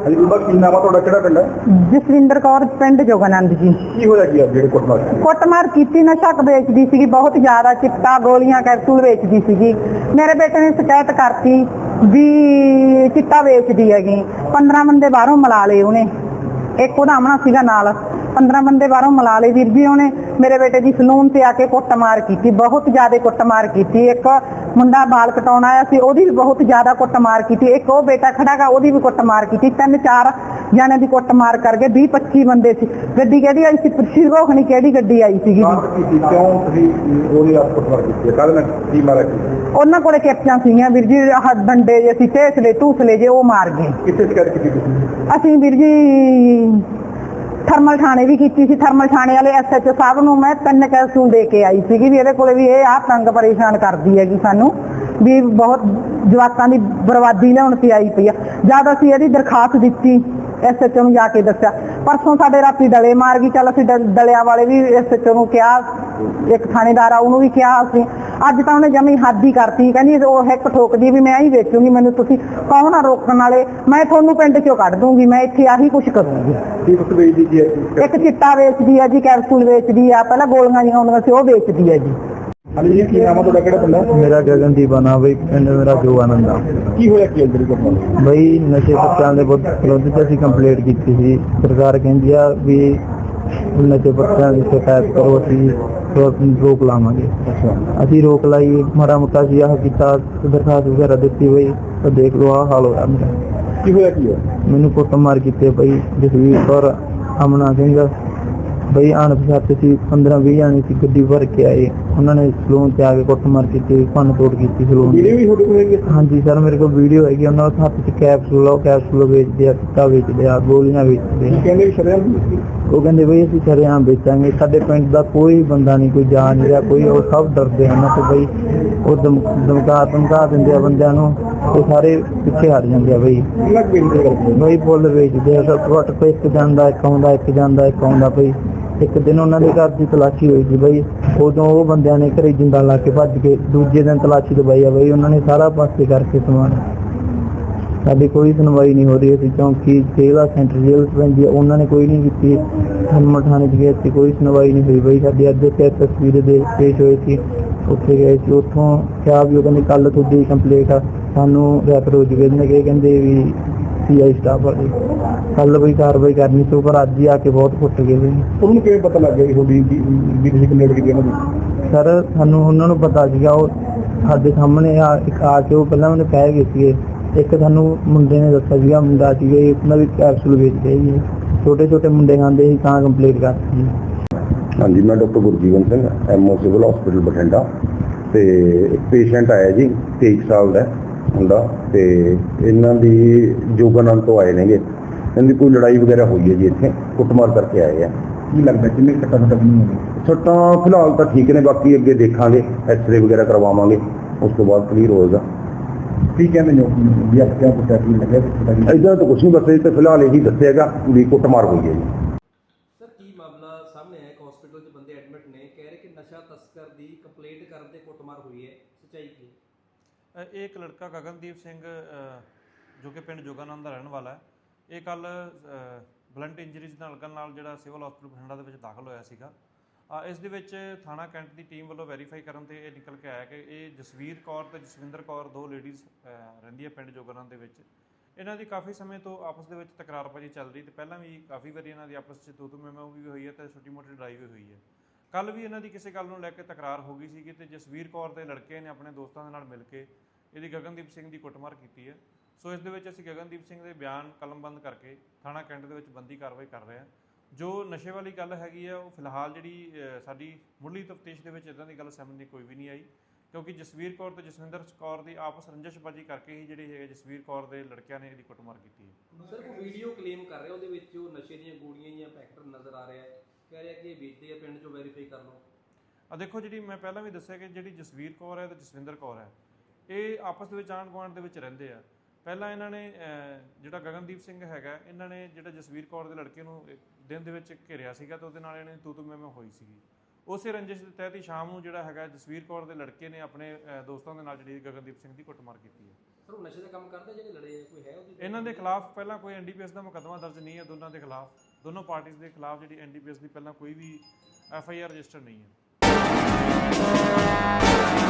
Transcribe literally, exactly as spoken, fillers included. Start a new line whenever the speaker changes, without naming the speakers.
ਹਾਂਜੀ ਬੀਬਾ ਕੀ ਨਾਮ ਆ ਤੁਹਾਡਾ, ਕਿਹੜਾ ਪਿੰਡ ਹੈ?
ਜਸਵਿੰਦਰ ਕੌਰ, ਪਿੰਡ ਜੋਗਾਨੰਦ ਜੀ।
ਕੀ ਹੋਇਆ ਕੀ ਆ ਜਿਹੜੇ ਕੁੱਟਮਾਰ
ਕੁੱਟਮਾਰ ਕੀਤੀ, ਨਸ਼ਾ ਵੇਚਦੀ ਸੀਗੀ ਬਹੁਤ ਜ਼ਿਆਦਾ, ਚਿੱਟਾ, ਗੋਲੀਆਂ, ਕੈਪਸੂਲ ਵੇਚਦੀ ਸੀਗੀ। ਮੇਰੇ ਬੇਟੇ ਨੇ ਸ਼ਿਕਾਇਤ ਕਰਤੀ ਵੀ ਚਿੱਟਾ ਵੇਚਦੀ ਹੈਗੀ। ਪੰਦਰਾਂ ਬੰਦੇ ਬਾਹਰੋਂ ਮਿਲਾ ਲਏ ਉਹਨੇ, ਇੱਕ ਉਹਦਾ ਆਮਣਾ ਸੀਗਾ ਨਾਲ। ਪੰਦਰਾਂ ਬੰਦੇ ਬਾਹਰੋਂ ਮਿਲਾ ਲਏ ਵੀਰ ਜੀ ਉਹਨੇ। ਮੇਰੇ ਬੇਟੇ ਦੀ ਸਲੂਨ ਤੇ ਆ ਕੇ ਕੁੱਟਮਾਰ ਕੀਤੀ, ਬਹੁਤ ਜ਼ਿਆਦਾ ਕੁੱਟਮਾਰ ਕੀਤੀ। ਇੱਕ ਮੁੰਡਾ ਬਾਲ ਕਟਾਉਣ ਆਇਆ ਸੀ, ਉਹਦੀ ਵੀ ਬਹੁਤ ਜ਼ਿਆਦਾ ਕੁੱਟਮਾਰ ਕੀਤੀ। ਇੱਕ ਉਹ ਬੇਟਾ ਖੜਾ ਗਾ, ਉਹਦੀ ਵੀ ਕੁੱਟਮਾਰ ਕੀਤੀ। ਤਿੰਨ ਚਾਰ ਜਾਣੇ ਦੀ ਕੁੱਟਮਾਰ ਕਰਕੇ ਵੀਹ ਪੱਚੀ ਬੰਦੇ ਸੀ। ਗੱਡੀ ਕਿਹੜੀ ਆਈ ਸੀ? ਪ੍ਰਸ਼ੀ ਰੋਖਣੀ ਕਿਹੜੀ ਗੱਡੀ ਆਈ ਸੀਗੀ?
ਕਿਉਂ ਤੁਸੀਂ ਉਹਦੀ ਆਪ ਕੁੱਟਮਾਰ ਕੀਤੀ ਹੈ? ਕੱਲ ਕੀ ਮਾਰਿਆ?
ਉਹਨਾਂ ਕੋਲੇ ਕੈਪਚਾਂ ਸੀਗੀਆਂ ਵੀਰ ਜੀ, ਆਹ ਡੰਡੇ ਜੇ ਸੀ, ਢੇਸਲੇ ਧੂਸਲੇ ਜੇ, ਉਹ ਮਾਰ ਗਏ।
ਕਿੱਥੇ ਸ਼ਿਕਾਇਤ ਕੀਤੀ ਤੁਸੀਂ?
ਅਸੀਂ ਵੀਰ ਜੀ ਥਰਮਲ ਥਾਣੇ ਵੀ ਕੀਤੀ ਸੀ। ਥਰਮਲ ਥਾਣੇ ਵਾਲੇ ਐਸ ਐਚ ਓ ਸਾਹਿਬ ਨੂੰ ਮੈਂ ਤਿੰਨ ਕੈਪਸੂਲ ਦੇ ਕੇ ਆਈ ਸੀਗੀ ਵੀ ਇਹਦੇ ਕੋਲੇ ਵੀ ਇਹ ਆਹ ਤੰਗ ਪਰੇਸ਼ਾਨ ਕਰਦੀ ਹੈਗੀ ਸਾਨੂੰ, ਵੀ ਬਹੁਤ ਜਵਾਕਾਂ ਦੀ ਬਰਬਾਦੀ ਲਿਆਉਣ ਤੇ ਆਈ ਪਈ ਆ। ਜਦ ਅਸੀਂ ਇਹਦੀ ਦਰਖਾਸਤ ਦਿੱਤੀ ਐਸ ਐਚ ਓ ਨੂੰ ਜਾ ਕੇ ਦੱਸਿਆ, ਪਰਸੋਂ ਸਾਡੇ ਰਾਤੀ ਡਲੇ ਮਾਰ ਗਈ। ਚੱਲ ਅਸੀਂ ਡਲਿਆਂ ਵਾਲੇ ਵੀ ਐਸ ਐਚ ਓ ਨੂੰ ਕਿਹਾ, ਇੱਕ ਥਾਣੇਦਾਰ ਆ ਉਹਨੂੰ ਵੀ ਕਿਹਾ ਅਸੀਂ। ਅੱਜ ਤਾਂ ਉਹਨੇ ਜਮੀ ਹੱਦ ਹੀ ਕਰਤੀ, ਕਹਿੰਦੀ ਉਹ ਹਿੱਕ ਠੋਕਦੀ ਵੀ ਮੈਂ ਹੀ ਵੇਚੂਗੀ, ਮੈਨੂੰ ਤੁਸੀਂ ਕੌਣ ਆ ਰੋਕਣ ਵਾਲੇ, ਮੈਂ ਤੁਹਾਨੂੰ ਪਿੰਡ ਚੋਂ ਕੱਢ ਦੂੰਗੀ, ਮੈਂ ਇੱਥੇ ਆਹੀ ਕੁਛ ਕਰੂੰਗੀ।
ਕੀ ਕੁਛ ਵੇਚਦੀ ਜੀ?
ਇੱਕ ਚਿੱਟਾ ਵੇਚਦੀ ਆ ਜੀ, ਕੈਪਸੂਲ ਵੇਚਦੀ ਆ, ਪਹਿਲਾਂ ਗੋਲੀਆਂ ਜਿਹੀਆਂ ਆਉਂਦੀਆਂ ਸੀ ਉਹ ਵੇਚਦੀ ਆ ਜੀ।
ਹਾਂਜੀ ਜੀ ਕੀ ਨਾਮ ਆ ਤੁਹਾਡਾ, ਕਿਹੜਾ ਪਿੰਡ ਹੈ?
ਮੇਰਾ ਗਗਨਦੀਪ ਆ ਬਈ, ਪਿੰਡ ਮੇਰਾ ਜੋਗਾਨੰਦ ਆ।
ਕੀ ਹੋਇਆ ਕੀ ਅੰਦਰ ਕੁੱਟਮਾਰ?
ਬਈ ਨਸ਼ੇ ਪੱਤਿਆਂ ਦੇ ਵਿਰੁੱਧ ਤੇ ਅਸੀਂ ਕੰਪਲੇਂਟ ਕੀਤੀ ਸੀ। ਸਰਕਾਰ ਕਹਿੰਦੀ ਆ ਵੀ ਨਸ਼ੇ ਪੱਤਿਆਂ ਦੀ ਸ਼ਿਕਾਇਤ ਕਰੋ, ਅਸੀਂ ਰੋਕ ਲਾਵਾਂਗੇ। ਅਸੀਂ ਰੋਕ ਲਾਈ, ਮਾੜਾ ਮੋਟਾ ਸੀ ਆਹ ਕੀਤਾ, ਦਰਖਾਸਤ ਵਗੈਰਾ ਦਿੱਤੀ ਬਈ, ਤਾਂ ਦੇਖ ਲਓ ਆਹ ਹਾਲ ਹੋਇਆ ਮੇਰਾ।
ਕੀ ਹੋਇਆ ਕੀ ਹੋਇਆ?
ਮੈਨੂੰ ਕੁੱਟਮਾਰ ਕੀਤੇ ਬਈ, ਜਸਵੀਰ ਕੌਰ, ਅਮਨਾ ਸਿੰਘ ਬਈ ਅਣਪਛਾਤੇ ਸੀ, ਪੰਦਰਾਂ ਵੀਹ ਜਾਣੇ ਸੀ, ਗੱਡੀ ਭਰ ਕੇ ਆਏ। ਉਹਨਾਂ ਨੇ ਸਲੂਨ ਤੇ ਆ ਕੇ ਕੁੱਟਮਾਰ ਕੀਤੀ, ਭੰਨ ਤੋੜ ਕੀਤੀ ਸਲੂਨ ਦੀ।
ਵੀਡੀਓ ਵੀ ਤੁਹਾਡੇ ਕੋਲ ਹੈਗੀ?
ਹਾਂਜੀ ਸਰ, ਮੇਰੇ ਕੋਲ ਵੀਡੀਓ ਹੈਗੀ। ਉਹਨਾਂ ਦੇ ਹੱਥ 'ਚ ਕੈਪਸੂਲ ਆ, ਉਹ ਕੈਪਸੂਲ ਵੇਚਦੇ ਆ, ਚਿੱਟਾ ਵੇਚਦੇ ਆ, ਗੋਲੀਆਂ ਵੇਚਦੇ ਆ।
ਕਹਿੰਦੇ ਵੀ ਸ਼ਰੇਆਮ
ਉਹ ਕਹਿੰਦੇ ਬਈ ਅਸੀਂ ਸ਼ਰੇਆਮ ਵੇਚਾਂਗੇ। ਸਾਡੇ ਪਿੰਡ ਦਾ ਕੋਈ ਬੰਦਾ ਨਹੀਂ, ਕੋਈ ਜਾ ਨਹੀਂ ਰਿਹਾ, ਕੋਈ, ਉਹ ਸਭ ਡਰਦੇ ਹਨ ਤੇ ਬਈ ਉਹ ਧਮ ਧਮਕਾ ਧਮਕਾ ਦਿੰਦੇ ਆ ਬੰਦਿਆਂ ਨੂੰ, ਉਹ ਸਾਰੇ ਪਿੱਛੇ ਹਟ ਜਾਂਦੇ ਆ ਬਈ। ਬਈ ਫੁੱਲ ਵੇਚਦੇ ਆ, ਸਭ ਵੱਟ ਪੇ ਇੱਕ ਜਾਂਦਾ, ਇੱਕ ਆਉਂਦਾ, ਇੱਕ ਜਾਂਦਾ, ਇੱਕ ਆਉਂਦਾ ਬਈ। ਇੱਕ ਦਿਨ ਉਹਨਾਂ ਦੇ ਘਰ ਦੀ ਤਲਾਸ਼ੀ ਹੋਈ ਸੀ ਬਈ, ਉਦੋਂ ਉਹ ਬੰਦਿਆਂ ਨੇ ਘਰੇ ਜਿੰਦਾ ਲਾ ਕੇ ਭੱਜ ਕੇ ਦੂਜੇ ਦਿਨ ਤਲਾਸ਼ੀ ਦਵਾਈ ਆ ਬਈ। ਉਹਨਾਂ ਨੇ ਸਾਰਾ ਪਾਸੇ ਕਰਕੇ ਸਮਾਨ, ਸਾਡੀ ਕੋਈ ਸੁਣਵਾਈ ਨਹੀਂ ਹੋ ਰਹੀ। ਅਸੀਂ ਚੌਂਕੀ ਜੇਲ੍ਹ ਸੈਂਟਰ ਜੇਲ੍ਹ 'ਚ ਪੈਂਦੀ ਆ, ਉਹਨਾਂ ਨੇ ਕੋਈ ਨਹੀਂ ਕੀਤੀ। ਥਰਮਲ ਥਾਣੇ 'ਚ ਗਏ ਸੀ, ਕੋਈ ਸੁਣਵਾਈ ਨਹੀਂ ਹੋਈ ਬਈ। ਸਾਡੀ ਅੱਜ ਤੇ ਤਸਵੀਰ ਦੇ ਪੇਸ਼ ਹੋਏ ਸੀ, ਉੱਥੇ ਗਏ ਸੀ, ਉੱਥੋਂ ਕਿਹਾ ਵੀ ਉਹ ਕਹਿੰਦੇ ਕੱਲ੍ਹ ਤੁਹਾਡੀ ਕੰਪਲੇਂਟ ਆ, ਸਾਨੂੰ ਰੈਫਰ ਹੋ ਜੂਗੇ। ਇਹਨੇ ਕਹਿੰਦੇ ਵੀ ਸੀ ਆਈ ਸਟਾਫ ਵਾਲੇ ਕੱਲ੍ਹ ਬਈ ਕਾਰਵਾਈ ਕਰਨੀ ਸੀ, ਪਰ ਅੱਜ ਹੀ ਆ ਕੇ ਬਹੁਤ ਕੁੱਟ ਗਏ ਬਈ।
ਉਹਨੂੰ ਕਿਵੇਂ ਪਤਾ ਲੱਗ ਗਿਆ ਤੁਹਾਡੀ ਵੀ ਤੁਸੀਂ ਕੰਪਲੇਂਟ ਕੀਤੀ ਉਹਨਾਂ ਦੀ?
ਸਰ ਸਾਨੂੰ ਉਹਨਾਂ ਨੂੰ ਪਤਾ ਸੀਗਾ, ਉਹ ਸਾਡੇ ਸਾਹਮਣੇ ਆ ਇੱਕ ਆ ਕੇ ਉਹ ਪਹਿਲਾਂ ਉਹਨੇ ਕਹਿ ਗਏ ਸੀਗੇ। ਇੱਕ ਸਾਨੂੰ ਮੁੰਡੇ ਨੇ ਦੱਸਿਆ ਸੀਗਾ, ਮੁੰਡਾ ਸੀਗਾ ਉਹਨਾਂ ਵੀ ਕੈਪਸੂਲ ਵੇਚਦੇ ਸੀ, ਛੋਟੇ ਛੋਟੇ ਮੁੰਡੇ ਖਾਂਦੇ ਸੀ, ਤਾਂ ਕੰਪਲੇਂਟ ਕਰਤੀ ਜੀ।
ਹਾਂਜੀ ਮੈਂ doctor Gurjeevan Singh, M O civil hospital Bathinda. ਤੇ ਇੱਕ ਪੇਸ਼ੈਂਟ ਆਇਆ ਜੀ, ਤੇਈ ਸਾਲ ਦਾ ਮੁੰਡਾ, ਤੇ ਇਹਨਾਂ ਦੀ ਜੋਗਾਨੰਦ ਤੋਂ ਆਏ ਨੇਗੇ। ਇਹਨਾਂ ਦੀ ਕੋਈ ਲੜਾਈ ਵਗੈਰਾ ਹੋਈ ਹੈ ਜੀ, ਇੱਥੇ ਕੁੱਟਮਾਰ ਕਰਕੇ ਆਏ ਆ। ਕੀ ਲੱਗਦਾ ਕਿੰਨੇ ਸੱਟਾਂ ਫੱਟਾਂ ਨਹੀਂ ਹੋਈਆਂ? ਸੱਟਾਂ ਫਿਲਹਾਲ ਤਾਂ ਠੀਕ ਨੇ, ਬਾਕੀ ਅੱਗੇ ਦੇਖਾਂਗੇ, ਐਕਸਰੇ ਵਗੈਰਾ ਕਰਵਾਵਾਂਗੇ, ਉਸ ਤੋਂ ਬਾਅਦ ਕਲੀਅਰ ਹੋਏਗਾ। ਕੀ ਕਹਿੰਦੇ ਨੇ ਵੀ ਆਪ ਕਿਆ ਕੁੱਟਿਆ ਕੀ ਲੱਗਿਆ? ਇੱਦਾਂ ਤਾਂ ਕੁਛ ਨਹੀਂ ਦੱਸਿਆ, ਤੇ ਫਿਲਹਾਲ ਇਹੀ ਦੱਸਿਆਗਾ ਵੀ ਕੁੱਟਮਾਰ ਹੋਈ ਹੈ ਜੀ।
ਸਰ ਕੀ ਮਾਮਲਾ ਸਾਹਮਣੇ ਆਇਆ? ਇੱਕ ਹਸਪੀਟਲ 'ਚ ਬੰਦੇ ਐਡਮਿਟ ਨੇ, ਕਹਿ ਰਹੇ ਕਿ ਨਸ਼ਾ ਤਸਕਰ ਦੀ ਕੰਪਲੇਂਟ ਕਰਨ ਤੇ ਕੁੱਟਮਾਰ ਹੋਈ ਹੈ, ਸੱਚਾਈ ਕੀ?
ਇਹ ਇੱਕ ਲੜਕਾ ਗਗਨਦੀਪ ਸਿੰਘ ਜੋ ਕਿ ਪਿੰਡ ਜੋਗਾਨੰਦ ਦਾ ਰਹਿਣ ਵਾਲਾ ਹੈ, ਇਹ ਕੱਲ੍ਹ ਬਲੰਟ ਇੰਜਰੀਜ਼ ਨਾਲ ਲੱਗਣ ਨਾਲ ਜਿਹੜਾ ਸਿਵਲ ਹਸਪੀਟਲ ਬਠਿੰਡਾ ਦੇ ਵਿੱਚ ਦਾਖਲ ਹੋਇਆ ਸੀਗਾ। ਇਸ ਦੇ ਵਿੱਚ ਥਾਣਾ ਕੈਂਟ ਦੀ ਟੀਮ ਵੱਲੋਂ ਵੈਰੀਫਾਈ ਕਰਨ 'ਤੇ ਇਹ ਨਿਕਲ ਕੇ ਆਇਆ ਕਿ ਇਹ ਜਸਵੀਰ ਕੌਰ ਅਤੇ ਜਸਵਿੰਦਰ ਕੌਰ ਦੋ ਲੇਡੀਜ਼ ਰਹਿੰਦੀ ਹੈ ਪਿੰਡ ਜੋਗਾਨੰਦ ਦੇ ਵਿੱਚ। ਇਹਨਾਂ ਦੀ ਕਾਫੀ ਸਮੇਂ ਤੋਂ ਆਪਸ ਦੇ ਵਿੱਚ ਤਕਰਾਰਬਾਜ਼ੀ ਚੱਲ ਰਹੀ, ਅਤੇ ਪਹਿਲਾਂ ਵੀ ਕਾਫੀ ਵਾਰੀ ਇਹਨਾਂ ਦੀ ਆਪਸ 'ਚ ਤੂ ਤੂ ਮੈਂ ਮੈਂ ਵੀ ਹੋਈ ਹੈ ਅਤੇ ਛੋਟੀ ਮੋਟੀ ਲੜਾਈ ਵੀ ਹੋਈ ਹੈ। ਕੱਲ੍ਹ ਵੀ ਇਹਨਾਂ ਦੀ ਕਿਸੇ ਗੱਲ ਨੂੰ ਲੈ ਕੇ ਤਕਰਾਰ ਹੋ ਗਈ ਸੀਗੀ, ਅਤੇ ਜਸਵੀਰ ਕੌਰ ਦੇ ਲੜਕੇ ਨੇ ਆਪਣੇ ਦੋਸਤਾਂ ਦੇ ਨਾਲ ਮਿਲ ਕੇ ਇਹਦੀ ਗਗਨਦੀਪ ਸਿੰਘ ਦੀ ਕੁੱਟਮਾਰ ਕੀਤੀ ਹੈ। ਸੋ ਇਸ ਦੇ ਵਿੱਚ ਅਸੀਂ ਗਗਨਦੀਪ ਸਿੰਘ ਦੇ ਬਿਆਨ ਕਲਮਬੰਦ ਕਰਕੇ ਥਾਣਾ ਕੈਂਟ ਦੇ ਵਿੱਚ ਬੰਦੀ ਕਾਰਵਾਈ ਕਰ ਰਹੇ ਹਾਂ। ਜੋ ਨਸ਼ੇ ਵਾਲੀ ਗੱਲ ਹੈਗੀ ਆ, ਉਹ ਫਿਲਹਾਲ ਜਿਹੜੀ ਸਾਡੀ ਮੁੱਢਲੀ ਤਫਤੀਸ਼ ਦੇ ਵਿੱਚ ਇੱਦਾਂ ਦੀ ਗੱਲ ਸਾਹਮਣੇ ਕੋਈ ਵੀ ਨਹੀਂ ਆਈ, ਕਿਉਂਕਿ ਜਸਵੀਰ ਕੌਰ ਅਤੇ ਜਸਵਿੰਦਰ ਕੌਰ ਦੀ ਆਪਸ ਰੰਜਿਸ਼ਬਾਜ਼ੀ ਕਰਕੇ ਹੀ ਜਿਹੜੀ ਹੈਗੇ ਜਸਵੀਰ ਕੌਰ ਦੇ ਲੜਕਿਆਂ ਨੇ ਇਹਦੀ ਕੁੱਟਮਾਰ ਕੀਤੀ ਹੈ।
ਸਰ ਉਹ ਵੀਡੀਓ ਕਲੇਮ ਕਰ ਰਿਹਾ, ਉਹਦੇ ਵਿੱਚ ਉਹ ਨਸ਼ੇ ਦੀਆਂ ਗੋਲੀਆਂ ਜਾਂ ਪੈਕਟ ਨਜ਼ਰ ਆ ਰਿਹਾ ਹੈ, ਕਹਿ ਰਿਹਾ ਕਿ ਇਹ ਵੇਚਦੇ ਆ, ਪਿੰਡ 'ਚੋਂ ਵੈਰੀਫਾਈ ਕਰ ਲਓ।
ਆ ਦੇਖੋ, ਜਿਹੜੀ ਮੈਂ ਪਹਿਲਾਂ ਵੀ ਦੱਸਿਆ ਕਿ ਜਿਹੜੀ ਜਸਵੀਰ ਕੌਰ ਹੈ ਅਤੇ ਜਸਵਿੰਦਰ ਕੌਰ ਹੈ, ਇਹ ਆਪਸ ਦੇ ਵਿੱਚ ਆਂਢ ਗੁਆਂਢ ਦੇ ਵਿੱਚ ਰਹਿੰਦੇ ਆ। ਪਹਿਲਾਂ ਇਹਨਾਂ ਨੇ ਜਿਹੜਾ ਗਗਨਦੀਪ ਸਿੰਘ ਹੈਗਾ, ਇਹਨਾਂ ਨੇ ਜਿਹੜਾ ਜਸਵੀਰ ਕੌਰ ਦੇ ਲੜਕੇ ਨੂੰ ਦਿਨ ਦੇ ਵਿੱਚ ਘੇਰਿਆ ਸੀਗਾ, ਅਤੇ ਉਹਦੇ ਨਾਲ ਇਹਨਾਂ ਦੀ ਤੂ ਤੂ ਮੈਂ ਮੈਂ ਹੋਈ ਸੀਗੀ। ਉਸੇ ਰੰਜਿਸ਼ ਦੇ ਤਹਿਤ ਹੀ ਸ਼ਾਮ ਨੂੰ ਜਿਹੜਾ ਹੈਗਾ ਜਸਵੀਰ ਕੌਰ ਦੇ ਲੜਕੇ ਨੇ ਆਪਣੇ ਅ, ਦੋਸਤਾਂ ਦੇ ਨਾਲ ਜਿਹੜੀ ਗਗਨਦੀਪ ਸਿੰਘ ਦੀ ਕੁੱਟਮਾਰ ਕੀਤੀ ਹੈ।
ਸਰ ਉਹ ਨਸ਼ੇ ਦਾ ਕੰਮ ਕਰਦੇ ਜਿਹੜੇ ਲੜੇ ਆ, ਕੋਈ ਹੈ ਉਹਦੀ?
ਇਹਨਾਂ ਦੇ ਖਿਲਾਫ ਪਹਿਲਾਂ ਕੋਈ ਐਨ ਡੀ ਪੀ ਐਸ ਦਾ ਮੁਕੱਦਮਾ ਦਰਜ ਨਹੀਂ ਹੈ। ਦੋਨਾਂ ਦੇ ਖਿਲਾਫ, ਦੋਨੋਂ ਪਾਰਟੀਆਂ ਦੇ ਖਿਲਾਫ ਜਿਹੜੀ ਐਨ ਡੀ ਪੀ ਐਸ ਦੀ ਪਹਿਲਾਂ ਕੋਈ ਵੀ ਐਫ ਆਈ ਆਰ ਰਜਿਸਟਰ ਨਹੀਂ ਹੈ।